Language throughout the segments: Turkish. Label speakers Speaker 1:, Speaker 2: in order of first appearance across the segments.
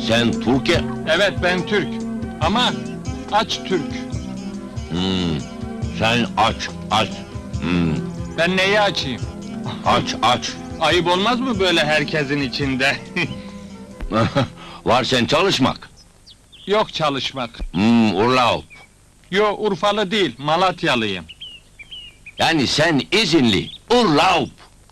Speaker 1: Sen Türkiye...
Speaker 2: Evet, ben Türk. Ama aç Türk.
Speaker 1: Sen aç.
Speaker 2: Ben neyi açayım?
Speaker 1: Aç.
Speaker 2: Ayıp olmaz mı böyle herkesin içinde?
Speaker 1: Var sen çalışmak.
Speaker 2: Yok çalışmak.
Speaker 1: Urlaub.
Speaker 2: Yo, Urfalı değil, Malatyalıyım.
Speaker 1: Yani sen izinli. Urlaub.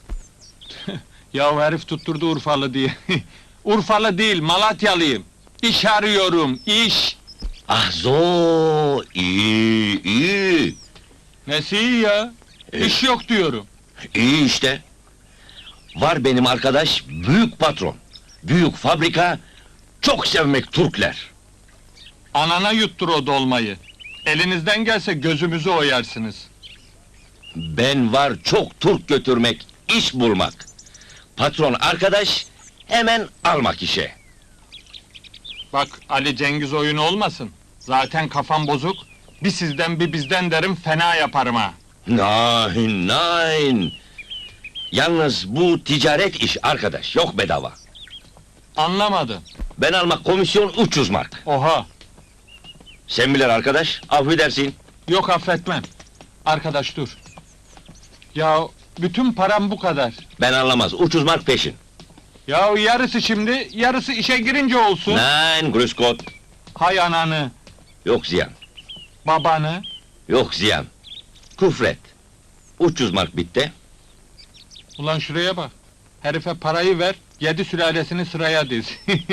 Speaker 2: Ya herif tutturdu Urfalı diye. Urfalı değil, Malatyalıyım. İş arıyorum, iş!
Speaker 1: Ah zo, iyi.
Speaker 2: Nesi iyi ya? İş yok diyorum.
Speaker 1: İyi işte. Var benim arkadaş, büyük patron. Büyük fabrika, çok sevmek Türkler.
Speaker 2: Anana yuttur o dolmayı. Elinizden gelse gözümüzü oyarsınız.
Speaker 1: Ben var çok Türk götürmek, iş bulmak. Patron arkadaş, hemen almak işe.
Speaker 2: Bak, Ali Cengiz oyunu olmasın. Zaten kafam bozuk. Bir sizden bir bizden derim, fena yaparım ha.
Speaker 1: Nein. Yalnız bu ticaret iş arkadaş, yok bedava.
Speaker 2: Anlamadım.
Speaker 1: Ben almak komisyon 300 mark.
Speaker 2: Oha!
Speaker 1: Sen bilir arkadaş, affedersin.
Speaker 2: Yok, affetmem. Arkadaş dur. Ya bütün param bu kadar.
Speaker 1: Ben anlamaz, 300 mark peşin.
Speaker 2: Ya yarısı şimdi, yarısı işe girince olsun.
Speaker 1: Nein, grüß Gott.
Speaker 2: Hay ananı,
Speaker 1: Yok ziyan,
Speaker 2: babanı.
Speaker 1: yok ziyan. Küfret. 300 mark bitti.
Speaker 2: Ulan şuraya bak. Herife parayı ver, 7 sülalesini sıraya diz.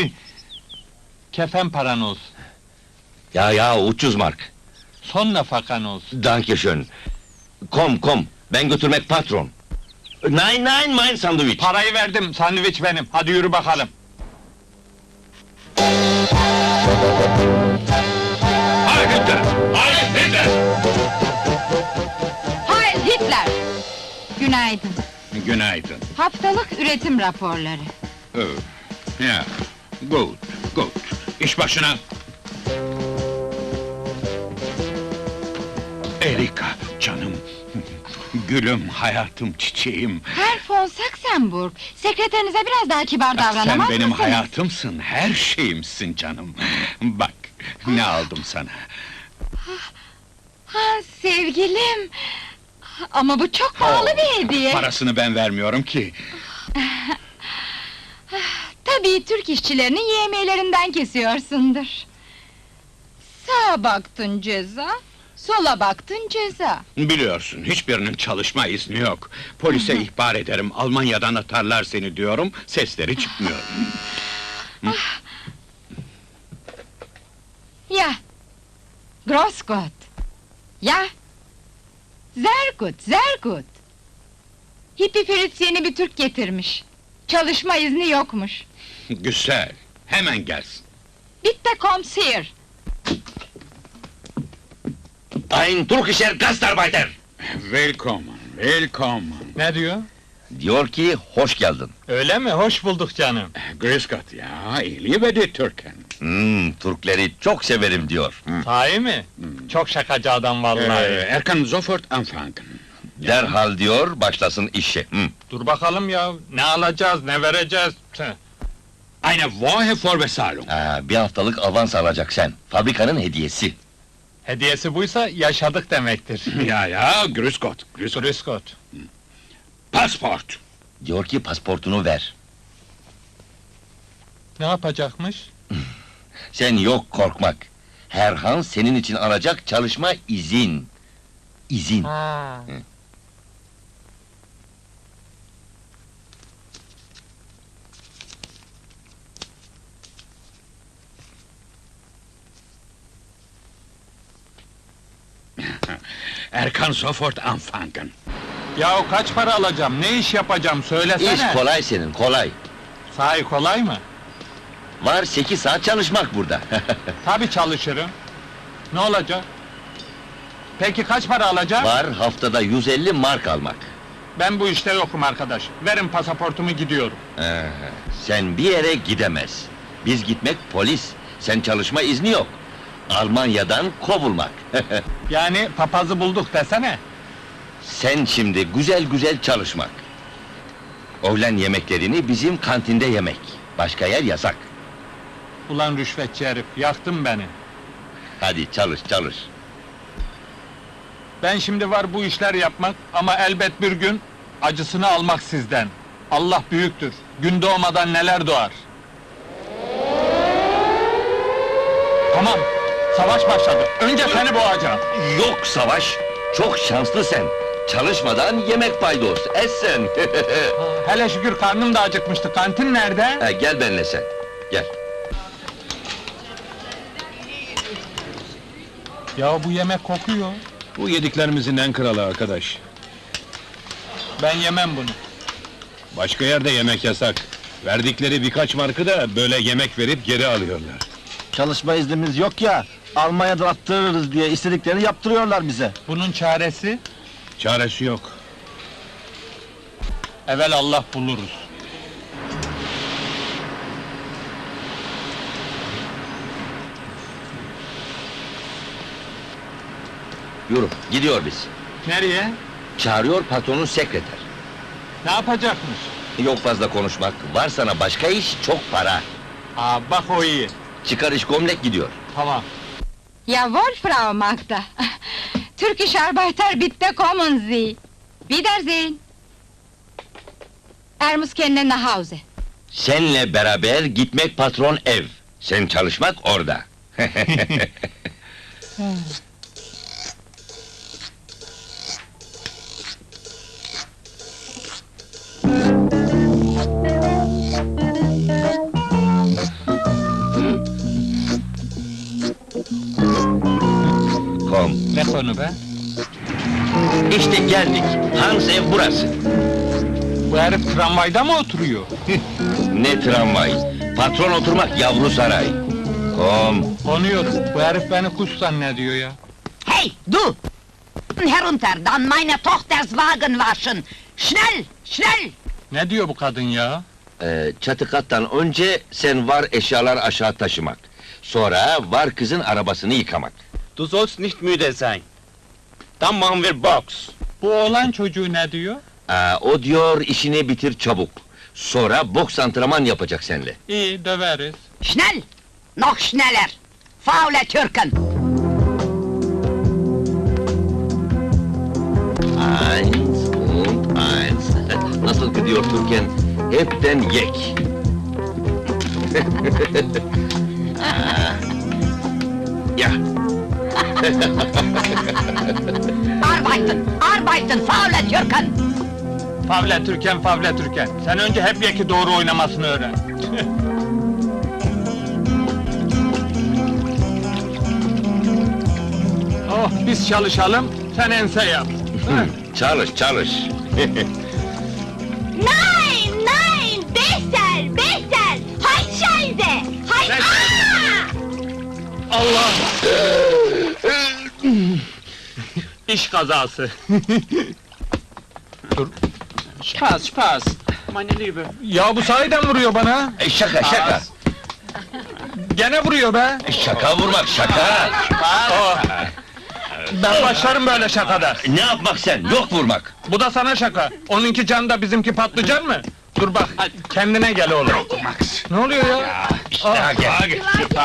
Speaker 2: Kefen paran olsun.
Speaker 1: Ya 300 mark.
Speaker 2: Son nafakan olsun.
Speaker 1: Danke schön. Kom, ben götürmek patron. Nein, mein sandviç.
Speaker 2: Parayı verdim, sandviç benim. Hadi yürü bakalım.
Speaker 1: Heil Hitler! Heil Hitler!
Speaker 3: Heil Hitler! Günaydın.
Speaker 4: Günaydın.
Speaker 3: Haftalık üretim raporları.
Speaker 4: Ya, gut. İş başına. Erika, canım. Gülüm, hayatım, çiçeğim.
Speaker 3: Herr von Saxenburg, sekreterinize biraz daha kibar davranamaz
Speaker 4: Sen benim
Speaker 3: mısınız?
Speaker 4: hayatımsın, her şeyimsin canım. Bak, ne aldım sana.
Speaker 3: Ha, sevgilim! Ama bu çok pahalı bir hediye.
Speaker 4: Parasını ben vermiyorum ki.
Speaker 3: Tabii Türk işçilerinin yemeğlerinden kesiyorsundur. Sağa baktın ceza, sola baktın ceza.
Speaker 4: Biliyorsun, hiçbirinin çalışma izni yok. Polise ihbar ederim, Almanya'dan atarlar seni diyorum, sesleri çıkmıyor.
Speaker 3: Ya! Gross Gott! Ya! Sehr gut! Hippi Fritz yeni bir Türk getirmiş. Çalışma izni yokmuş.
Speaker 4: Güzel, hemen gelsin.
Speaker 3: Bitte kommt's hier!
Speaker 1: Ein Türkischer Gastarbeiter!
Speaker 4: Willkommen.
Speaker 2: Ne diyor?
Speaker 1: Diyor ki, hoş geldin.
Speaker 2: Öyle mi? Hoş bulduk canım.
Speaker 4: Grüß Gott, ja, ich liebe die Türken.
Speaker 1: Türkleri çok severim diyor.
Speaker 2: Sahi mi? Çok şakacı adam vallahi.
Speaker 4: Er kann sofort anfangen.
Speaker 1: Derhal diyor, başlasın işe.
Speaker 2: Dur bakalım ya, ne alacağız, ne vereceğiz? Tüh.
Speaker 4: Eine Woche Vorbezahlung.
Speaker 1: Bir haftalık avans alacak sen. Fabrikanın hediyesi.
Speaker 2: Hediyesi buysa yaşadık demektir.
Speaker 4: Ja, grüß Gott.
Speaker 2: Grüß Gott.
Speaker 4: Passport.
Speaker 1: Diyor ki, pasportunu ver.
Speaker 2: Ne yapacakmış?
Speaker 1: Sen yok korkmak. Herhan senin için alacak çalışma izin. İzin.
Speaker 2: Ha.
Speaker 4: Er kann sofort anfangen.
Speaker 2: Yahu kaç para alacağım, ne iş yapacağım söylesene!
Speaker 1: İş kolay senin, kolay.
Speaker 2: Sahi kolay mı?
Speaker 1: Var 8 saat çalışmak burada.
Speaker 2: Tabii çalışırım. Ne olacak? Peki kaç para alacağım?
Speaker 1: Var haftada 150 mark almak.
Speaker 2: Ben bu işte yokum arkadaş. Verin pasaportumu gidiyorum.
Speaker 1: Sen bir yere gidemez. Biz gitmek polis. Sen çalışma izni yok. Almanya'dan kovulmak.
Speaker 2: Yani papazı bulduk desene.
Speaker 1: Sen şimdi güzel güzel çalışmak. Öğlen yemeklerini bizim kantinde yemek. Başka yer yasak.
Speaker 2: Ulan rüşvetçi herif, yaktın beni.
Speaker 1: Hadi çalış, çalış.
Speaker 2: Ben şimdi var bu işler yapmak ama elbet bir gün acısını almak sizden. Allah büyüktür. Gün doğmadan neler doğar. Tamam, savaş başladı. Önce seni boğacağım.
Speaker 1: Yok Savaş, çok şanslı sen. Çalışmadan yemek paydos, es sen.
Speaker 2: Hele şükür karnım da acıkmıştı. Kantin nerede?
Speaker 1: Ha, gel benimle sen, gel.
Speaker 2: Ya bu yemek kokuyor.
Speaker 5: Bu yediklerimizin en kralı arkadaş.
Speaker 2: Ben yemem bunu.
Speaker 5: Başka yerde yemek yasak. Verdikleri birkaç markı da böyle yemek verip geri alıyorlar.
Speaker 6: Çalışma iznimiz yok ya, Almanya'da attırırız diye istediklerini yaptırıyorlar bize.
Speaker 2: Bunun çaresi?
Speaker 5: Çaresi yok.
Speaker 2: Evvel Allah buluruz.
Speaker 1: Yürü, gidiyor biz.
Speaker 2: Nereye?
Speaker 1: Çağırıyor patronun sekreter.
Speaker 2: Ne yapacakmış?
Speaker 1: Yok fazla konuşmak, var sana başka iş, çok para.
Speaker 2: Aa bak o iyi.
Speaker 1: Çıkar iş gömlek gidiyor.
Speaker 2: Tamam.
Speaker 3: Jawohl, Frau Magda. Türkisch Arbeiter, bitte kommen Sie. Wiedersehen. Er muss kendine nach Hause.
Speaker 1: Senle beraber gitmek patron ev. Sen çalışmak orada. Kom.
Speaker 2: Ne konu be?
Speaker 1: İşte geldik. Hans ev burası.
Speaker 2: Bu herif tramvayda mı oturuyor?
Speaker 1: Ne tramvay. Patron oturmak yavru saray. Kom.
Speaker 2: Konuyorum. Bu herif beni kuş zannediyor ya.
Speaker 7: Hey, du! Herunter, dann meine Tochters Wagen waschen! Schnell, schnell!
Speaker 2: Ne diyor bu kadın ya?
Speaker 1: Çatı kattan önce sen var eşyalar aşağı taşımak. Sonra var kızın arabasını yıkamak.
Speaker 4: Du sollst nicht müde sein. Dann machen wir Box.
Speaker 2: Bu oğlan çocuğu ne diyor?
Speaker 1: O diyor işini bitir çabuk. Sonra boks antrenman yapacak seninle.
Speaker 2: İyi, döveriz.
Speaker 7: Schnell! Noch schneller! Faule Türken!
Speaker 1: Eins und eins. Nasıl gidiyor Türken? Hepten yek. Ya,
Speaker 7: Arbeiten, arbeiten, faule Türken!
Speaker 2: Favle Türken, Favle Türken. Sen önce hep yeki doğru oynamasını öğren. Oh, biz çalışalım, sen ense yap.
Speaker 1: çalış çalış.
Speaker 8: Nein, nein, besser, besser! Halt Scheiße! Halt...
Speaker 2: Ne?
Speaker 8: Ah!
Speaker 2: Allah! İş kazası. Dur.
Speaker 4: Spaß, Spaß, meine Liebe.
Speaker 2: Ya bu sahiden vuruyor bana.
Speaker 1: Şaka şaka.
Speaker 2: Gene vuruyor be.
Speaker 1: Şaka vurmak şaka.
Speaker 2: Oh. Ben başlarım böyle şakada.
Speaker 1: Ne yapmak sen? Yok vurmak.
Speaker 2: Bu da sana şaka. Onunki can da bizimki patlıcan mı? Dur bak, kendine gel oğlum. Ne oluyor ya?
Speaker 1: Daha gel.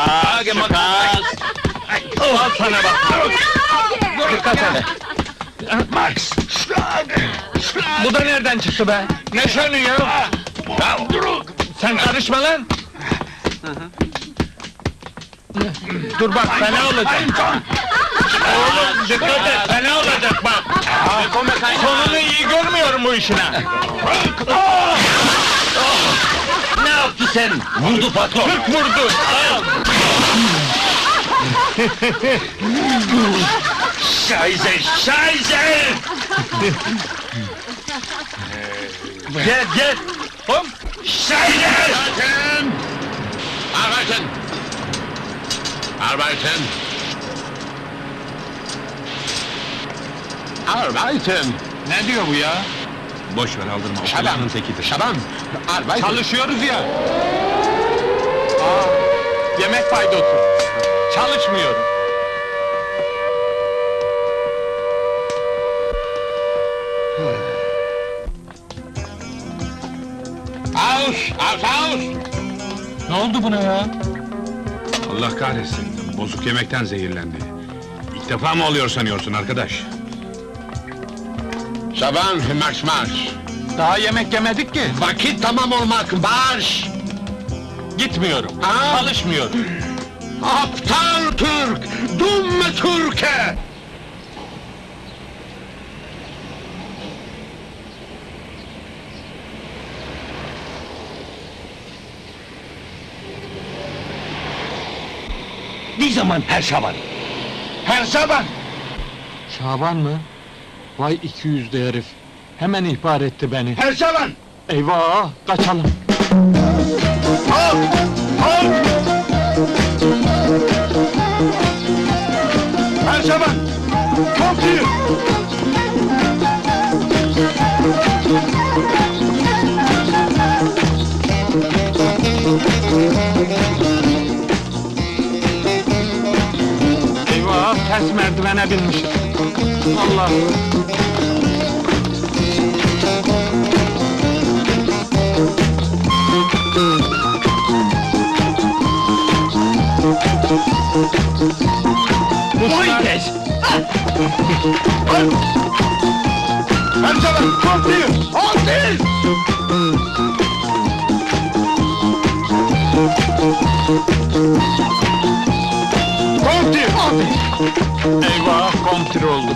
Speaker 2: Al sana bak. Dikkat et.
Speaker 1: Max.
Speaker 2: Bu da nereden çıktı be? Ne şönü ya? Sen karışma lan! Dur bak, fena olacak! Oğlum, dikkat et, fena olacak bak! Sonunu iyi görmüyorum bu işine!
Speaker 1: Ne yaptı sen? Vurdu patron.
Speaker 2: Türk vurdu!
Speaker 1: Scheiße, Scheiße!
Speaker 2: Gel, gel! Hop!
Speaker 1: Scheiße!
Speaker 4: Arbeiten! Arbeiten! Arbeiten!
Speaker 2: Ne diyor bu ya?
Speaker 5: Boş ver aldırma, o
Speaker 4: Şaban!
Speaker 5: kızının tekidir.
Speaker 4: Şaban! Arbeiten!
Speaker 2: Çalışıyoruz ya! Aa, yemek paydosu! Çalışmıyorum!
Speaker 4: Aus! Aus! Aus!
Speaker 2: Ne oldu buna ya?
Speaker 5: Allah kahretsin, bozuk yemekten zehirlendi. İlk defa mı oluyor sanıyorsun arkadaş?
Speaker 2: Şaban, marş!
Speaker 9: Daha yemek yemedik ki.
Speaker 2: Vakit tamam olmak, marş!
Speaker 9: Gitmiyorum.
Speaker 2: Ha?
Speaker 9: Çalışmıyorum.
Speaker 2: Aptal Türk! Dumme Türke!
Speaker 1: Ne zaman her Şaban?
Speaker 2: Her Şaban!
Speaker 9: Şaban mı? Vay 200'lü herif. Hemen ihbar etti beni.
Speaker 2: Her Şaban!
Speaker 9: Eyvah, kaçalım.
Speaker 2: Her Şaban! Come to you!
Speaker 9: Eyvah, ters merdivene binmişiz. Allah!
Speaker 1: Fuentes!
Speaker 2: Her Şaban! Come to you! Hold this! Come to you!
Speaker 9: Eyvah, kontir olduk.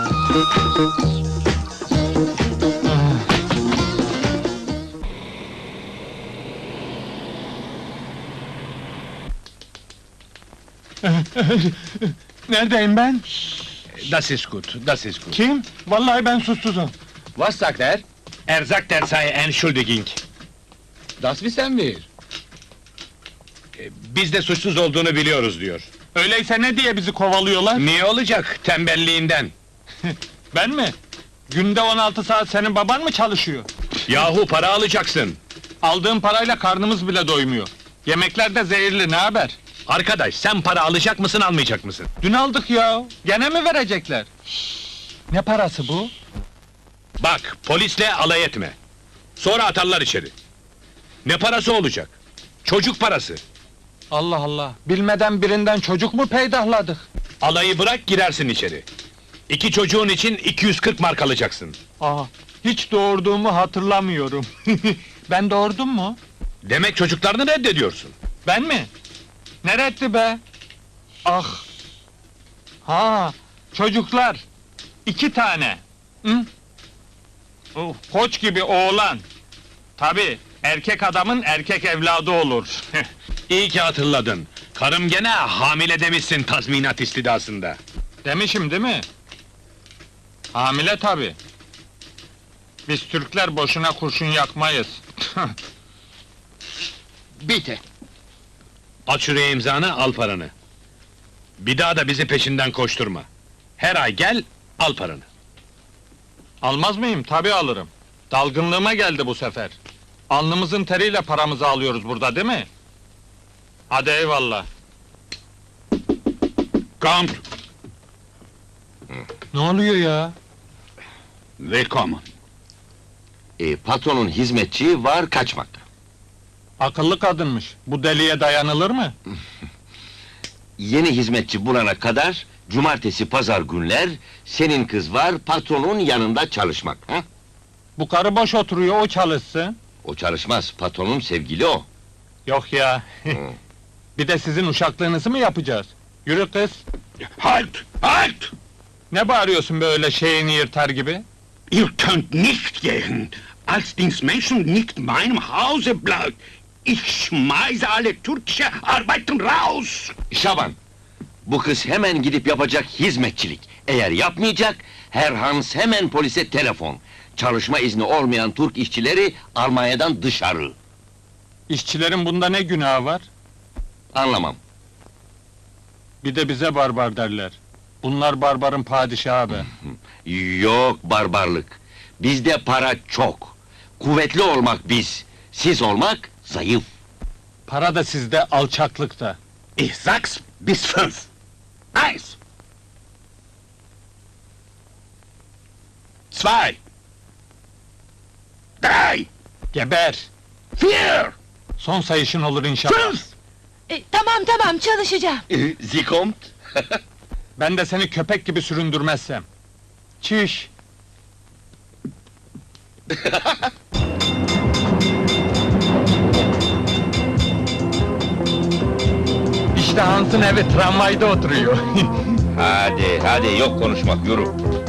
Speaker 9: Neredeyim ben?
Speaker 5: Das ist gut, das ist gut.
Speaker 9: Kim? Vallahi ben suçsuzum.
Speaker 5: Was sagt er? Er sagt, er sei Entschuldigung. Das wissen wir. Biz de suçsuz olduğunu biliyoruz diyor.
Speaker 9: Öyleyse ne diye bizi kovalıyorlar?
Speaker 5: Niye olacak? Tembelliğinden.
Speaker 9: Ben mi? Günde 16 saat senin baban mı çalışıyor?
Speaker 5: Yahu para alacaksın.
Speaker 9: Aldığım parayla karnımız bile doymuyor. Yemekler de zehirli, ne haber?
Speaker 5: Arkadaş, sen para alacak mısın, almayacak mısın?
Speaker 9: Dün aldık ya, gene mi verecekler? Ne parası bu?
Speaker 5: Bak, polisle alay etme. Sonra atarlar içeri. Ne parası olacak? Çocuk parası.
Speaker 9: Allah Allah, bilmeden birinden çocuk mu peydahladık?
Speaker 5: Alayı bırak, girersin içeri. 2 çocuğun için 240 mark alacaksın.
Speaker 9: Aa, hiç doğurduğumu hatırlamıyorum. Ben doğurdum mu?
Speaker 5: Demek çocuklarını reddediyorsun.
Speaker 9: Ben mi? Neretti be? Ah! Ha, çocuklar! 2 tane! Hı? Oh, koç gibi oğlan! Tabii, erkek adamın erkek evladı olur.
Speaker 5: İyi ki hatırladın. Karım gene hamile demişsin tazminat istidasında.
Speaker 9: Demişim değil mi? Hamile tabii. Biz Türkler boşuna kurşun yakmayız.
Speaker 1: Bitti.
Speaker 5: At şuraya imzanı, al paranı. Bir daha da bizi peşinden koşturma. Her ay gel, al paranı.
Speaker 9: Almaz mıyım? Tabii alırım. Dalgınlığıma geldi bu sefer. Alnımızın teriyle paramızı alıyoruz burada, değil mi? Hadi eyvallah.
Speaker 5: Count,
Speaker 9: Ne oluyor ya?
Speaker 5: willkommen.
Speaker 1: Patronun hizmetçi var kaçmakta.
Speaker 9: Akıllı kadınmış. Bu deliye dayanılır mı?
Speaker 1: Yeni hizmetçi bulana kadar cumartesi pazar günler senin kız var patronun yanında çalışmak. Ha?
Speaker 9: Bu karı boş oturuyor, o çalışsın.
Speaker 1: O çalışmaz, patronun sevgili o.
Speaker 9: Yok ya. Bir de sizin uşaklığınızı mı yapacağız? Yürü kız.
Speaker 4: Halt! Halt!
Speaker 9: Ne bağırıyorsun böyle şeyini yırtar gibi?
Speaker 4: Ihr könnt nicht gehen, als dies Menschen nicht meinem Hause bleibt. Ich schmeiße alle türkische Arbeiten raus!
Speaker 1: Şaban, bu kız hemen gidip yapacak hizmetçilik. Eğer yapmayacak, Herr Hans hemen polise telefon. Çalışma izni olmayan Türk işçileri Almanya'dan dışarı.
Speaker 9: İşçilerin bunda ne günahı var?
Speaker 1: Anlamam.
Speaker 9: Bir de bize barbar derler. Bunlar barbarın padişahı be.
Speaker 1: Yok barbarlık. Bizde para çok. Kuvvetli olmak biz. Siz olmak zayıf.
Speaker 9: Para da sizde, alçaklık da.
Speaker 4: Ich sag's bis 5. 1. 2. 3.
Speaker 9: Geber!
Speaker 4: 4.
Speaker 9: Son sayışın olur inşallah.
Speaker 4: 5.
Speaker 3: Tamam çalışacağım.
Speaker 1: Zikomt.
Speaker 9: Ben de seni köpek gibi süründürmezsem. Çiş! İşte Hans'ın evi, tramvayda oturuyor.
Speaker 1: Hadi yok konuşmak, yürü.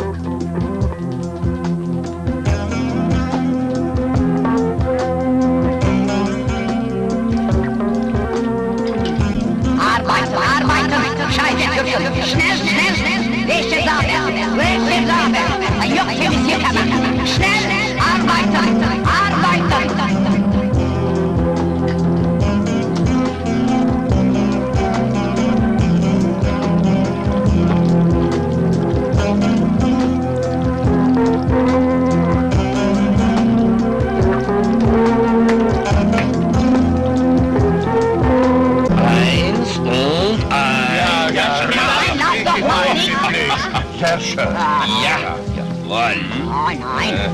Speaker 7: Arbeiter, Scheibe, schnell, welche Sache, ein Jochchen ist hier kamen, schnell, Arbeiter.
Speaker 1: Eins und eins.
Speaker 7: Nein, lass doch mal nicht.
Speaker 1: Sehr schön. Ja, jawohl.
Speaker 7: Nein.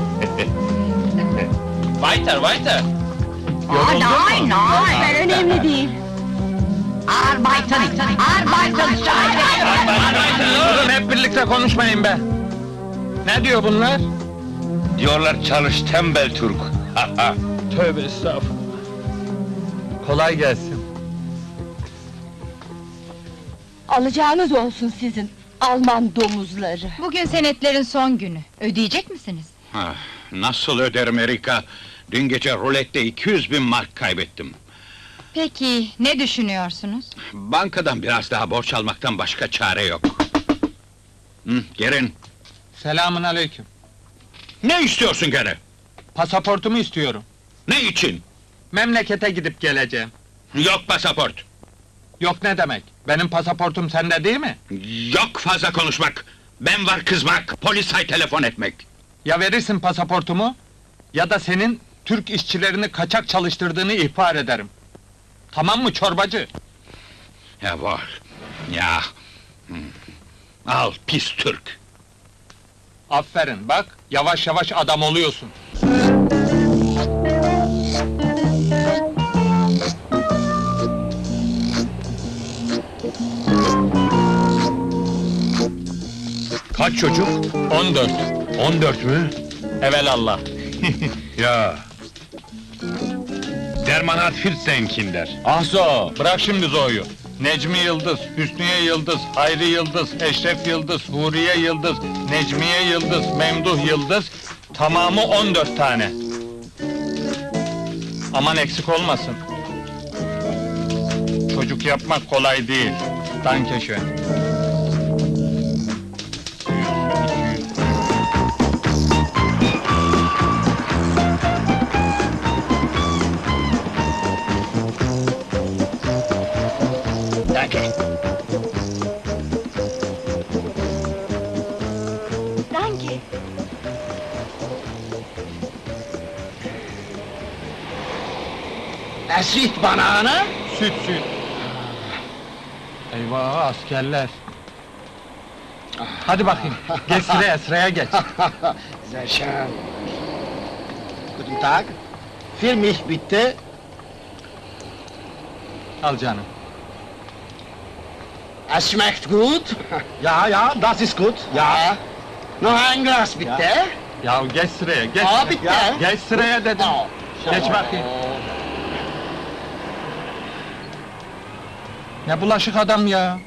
Speaker 1: Weiter.
Speaker 7: Nein.
Speaker 3: Önemli değil.
Speaker 7: Arbeiten, Scheibe.
Speaker 9: Durun, hep birlikte konuşmayın be! Ne diyor bunlar?
Speaker 1: Diyorlar çalış tembel Türk.
Speaker 9: Tövbe estağfurullah! Kolay gelsin.
Speaker 3: Alacağınız olsun sizin, Alman domuzları. Bugün senetlerin son günü. Ödeyecek misiniz?
Speaker 4: Nasıl öderim Erika? Dün gece rulette 200.000 mark kaybettim.
Speaker 3: Peki, ne düşünüyorsunuz?
Speaker 4: Bankadan biraz daha borç almaktan başka çare yok. Gelin.
Speaker 9: Selamun aleyküm.
Speaker 4: Ne istiyorsun gene?
Speaker 9: Pasaportumu istiyorum.
Speaker 4: Ne için?
Speaker 9: Memlekete gidip geleceğim.
Speaker 4: Yok pasaport.
Speaker 9: Yok ne demek? Benim pasaportum sende değil mi?
Speaker 4: Yok fazla konuşmak. Ben var kızmak, polise telefon etmek.
Speaker 9: Ya verirsin pasaportumu, ya da senin Türk işçilerini kaçak çalıştırdığını ihbar ederim. Tamam mı çorbacı?
Speaker 4: Ya var. Ya. Al pis Türk.
Speaker 9: Aferin bak, yavaş yavaş adam oluyorsun.
Speaker 5: Kaç çocuk?
Speaker 9: 14.
Speaker 5: 14 mü?
Speaker 9: Evelallah.
Speaker 5: Ya. Der Mann hat 14 Kinder.
Speaker 9: Ah zo, bırak şimdi Zo'yu. Necmi Yıldız, Hüsniye Yıldız, Hayri Yıldız, Eşref Yıldız, Huriye Yıldız, Necmiye Yıldız, Memduh Yıldız, tamamı 14 tane. Aman eksik olmasın. Çocuk yapmak kolay değil. Danke schön. 100, 200.
Speaker 1: Danke.
Speaker 8: Danke.
Speaker 2: Süt banana.
Speaker 9: Süt. Eyvah askerler. Hadi bakayım. Geç sıraya geç.
Speaker 2: Sehr schön. Guten Tag. Für mich bitte.
Speaker 9: Al canım.
Speaker 2: Es schmeckt gut. Ja, das ist gut. Ja. Noch ein Glas bitte.
Speaker 9: Ya geç sıraya, geç.
Speaker 2: Aa, bitti.
Speaker 9: Geç sıraya dedim. Geç bakayım. Ne bulaşık adam ya.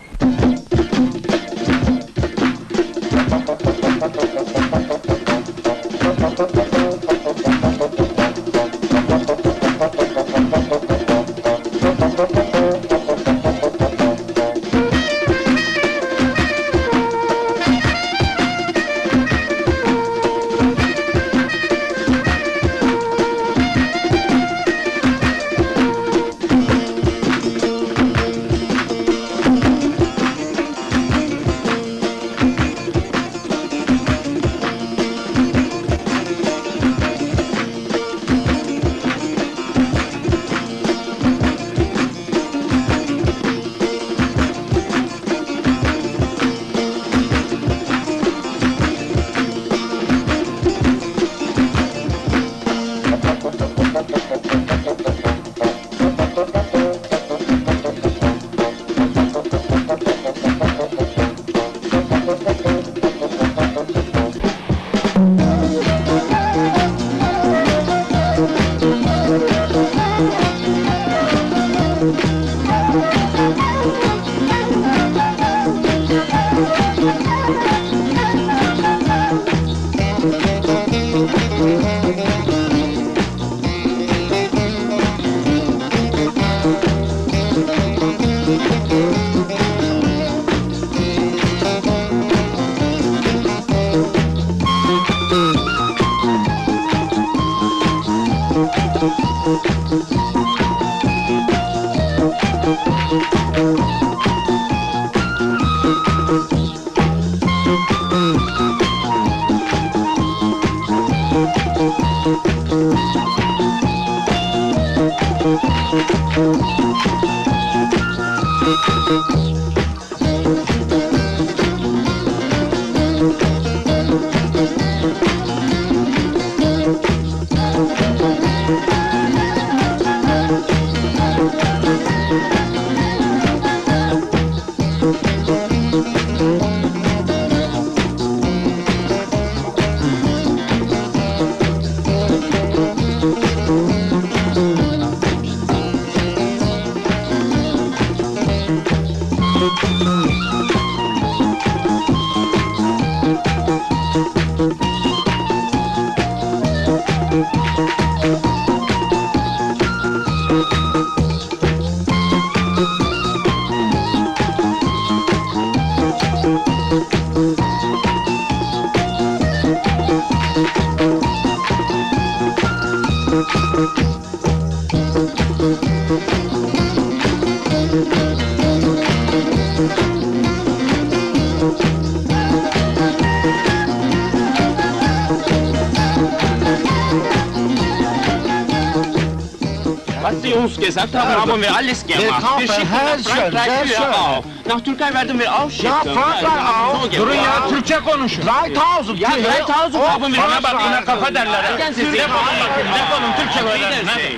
Speaker 2: Was Sie uns gesagt haben, haben wir alles gemacht. Wir schicken nach Frankreich für auch. Nach Türkei werden wir auch schicken.
Speaker 9: Durun ya, Türkçe konuşun.
Speaker 2: Dreitausend, ja, 3000 haben wir.
Speaker 9: Bana bak, yine kafa derler ha. Defolun bakayım, defolun, Türkçe öğrenin, hadi.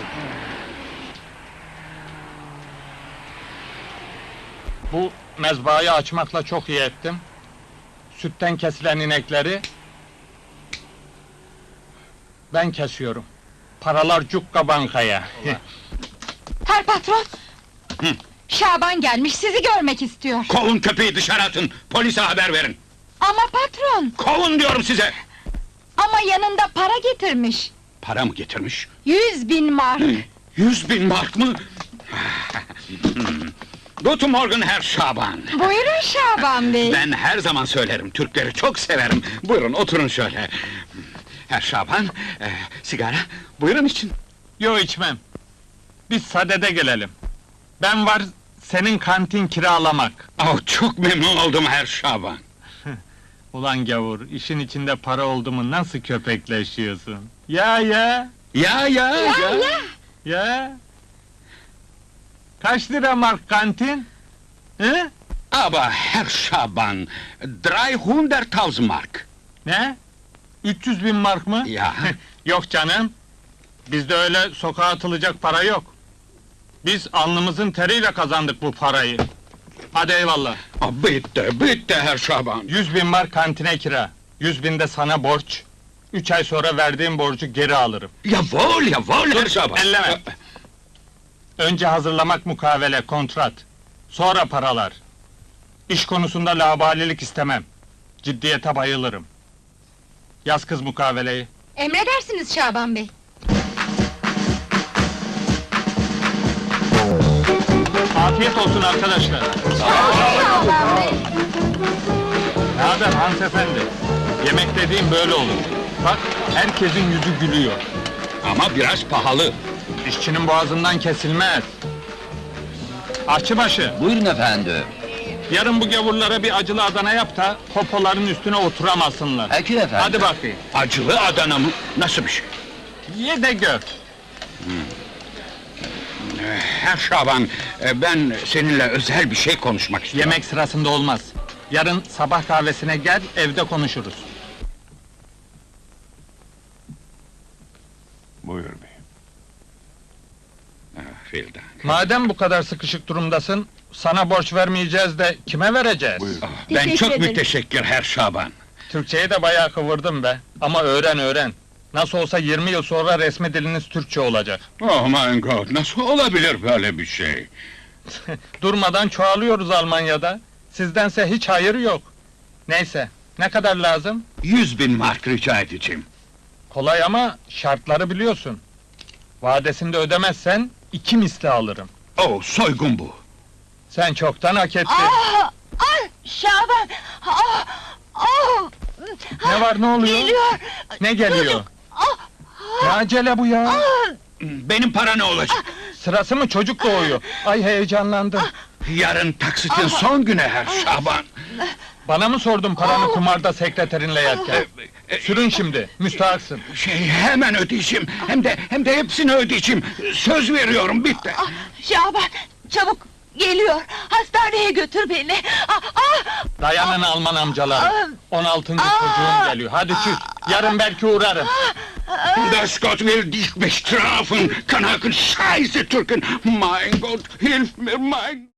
Speaker 9: Bu mezbahayı açmakla çok iyi ettim. Sütten kesilen inekleri ben kesiyorum. Paralar cukka bankaya.
Speaker 3: Herr patron! Şaban gelmiş, sizi görmek istiyor.
Speaker 4: Kovun köpeği dışarı atın, polise haber verin.
Speaker 3: Ama patron!
Speaker 4: Kovun diyorum size!
Speaker 3: Ama yanında para getirmiş.
Speaker 4: Para mı getirmiş?
Speaker 3: 100.000 mark.
Speaker 4: 100.000 mark mı? Guten Morgen Herr Şaban.
Speaker 3: Buyurun Şaban Bey.
Speaker 4: Ben her zaman söylerim, Türkleri çok severim. Buyurun, oturun şöyle. Herr Şaban, sigara, buyurun için.
Speaker 9: Yo, içmem. Biz sadede gelelim. Ben var, senin kantin kiralamak.
Speaker 4: Oh, çok memnun oldum Herr Şaban.
Speaker 9: Ulan gavur, işin içinde para oldu mu nasıl köpekleşiyorsun? Ya. Ya. Kaç lira mark kantin? He?
Speaker 4: Aber Herr Şaban, 300.000 mark.
Speaker 9: Ne? 300.000 mark mı?
Speaker 4: Ya.
Speaker 9: Yok canım. Bizde öyle sokağa atılacak para yok. Biz alnımızın teriyle kazandık bu parayı. Hadi eyvallah.
Speaker 4: Bitti Herr Şaban.
Speaker 9: 100.000 mark kantine kira. 100.000 de sana borç. 3 ay sonra verdiğim borcu geri alırım.
Speaker 4: Jawohl Herr Şaban.
Speaker 9: Elleme! Önce hazırlamak mukavele, kontrat. Sonra paralar. İş konusunda laubalilik istemem. Ciddiyete bayılırım. Yaz kız mukaveleyi.
Speaker 3: Emredersiniz Şaban Bey.
Speaker 9: Afiyet olsun arkadaşlar.
Speaker 3: Şaban Bey.
Speaker 9: Ne haber hanımefendi? Yemek dediğim böyle olur. Bak, herkesin yüzü gülüyor.
Speaker 4: Ama biraz pahalı.
Speaker 9: İşçinin boğazından kesilmez. Aşçıbaşı,
Speaker 1: Buyurun efendim.
Speaker 9: yarın bu gavurlara bir acılı Adana yap da popoların üstüne oturamasınlar.
Speaker 1: Peki efendim.
Speaker 9: Hadi bakayım.
Speaker 4: Acılı Adana mı? Nasıl bir şey?
Speaker 9: Ye de gör.
Speaker 4: Herr Şaban, ben seninle özel bir şey konuşmak istiyorum.
Speaker 9: Yemek sırasında olmaz. Yarın sabah kahvesine gel, evde konuşuruz.
Speaker 4: Buyur bey. Vielen Dank.
Speaker 9: Madem bu kadar sıkışık durumdasın, sana borç vermeyeceğiz de kime vereceğiz?
Speaker 4: Ben
Speaker 3: Teşekkür
Speaker 4: çok
Speaker 3: ederim.
Speaker 4: müteşekkir Herr Şaban.
Speaker 9: Türkçeyi de bayağı kıvırdım be. Ama öğren. Nasıl olsa 20 yıl sonra resmi diliniz Türkçe olacak.
Speaker 4: Oh my God, nasıl olabilir böyle bir şey?
Speaker 9: Durmadan çoğalıyoruz Almanya'da. Sizdense hiç hayır yok. Neyse, ne kadar lazım?
Speaker 4: 100.000 mark rica edeceğim.
Speaker 9: Kolay ama şartları biliyorsun. Vadesinde ödemezsen 2 misli alırım.
Speaker 4: Oh, soygun bu.
Speaker 9: Sen çoktan hak ettin.
Speaker 3: Şaban!
Speaker 9: Ne var, ne oluyor?
Speaker 3: Geliyor!
Speaker 9: Ne geliyor?
Speaker 3: Ah!
Speaker 9: Ne acele bu ya?
Speaker 4: Benim para ne olacak?
Speaker 9: Sırası mı, çocuk doğuyor. Ay heyecanlandım.
Speaker 4: Yarın taksitin son günü Herr Şaban.
Speaker 9: Bana mı sordun paranı kumarda sekreterinle yerken? Sürün şimdi, müstahaksın.
Speaker 4: Hemen ödeyeceğim. Hem de hepsini ödeyeceğim. Söz veriyorum, bitti.
Speaker 3: Şaban, çabuk geliyor. Hastaneye götür beni.
Speaker 9: Dayanın Alman amcalar. 16. çocuğum geliyor. Hadi çüz. Yarın belki uğrarım.
Speaker 4: Das Gott will dich bestrafen, Kanaken, Scheiße Türken! Mein Gott, hilf mir, mein...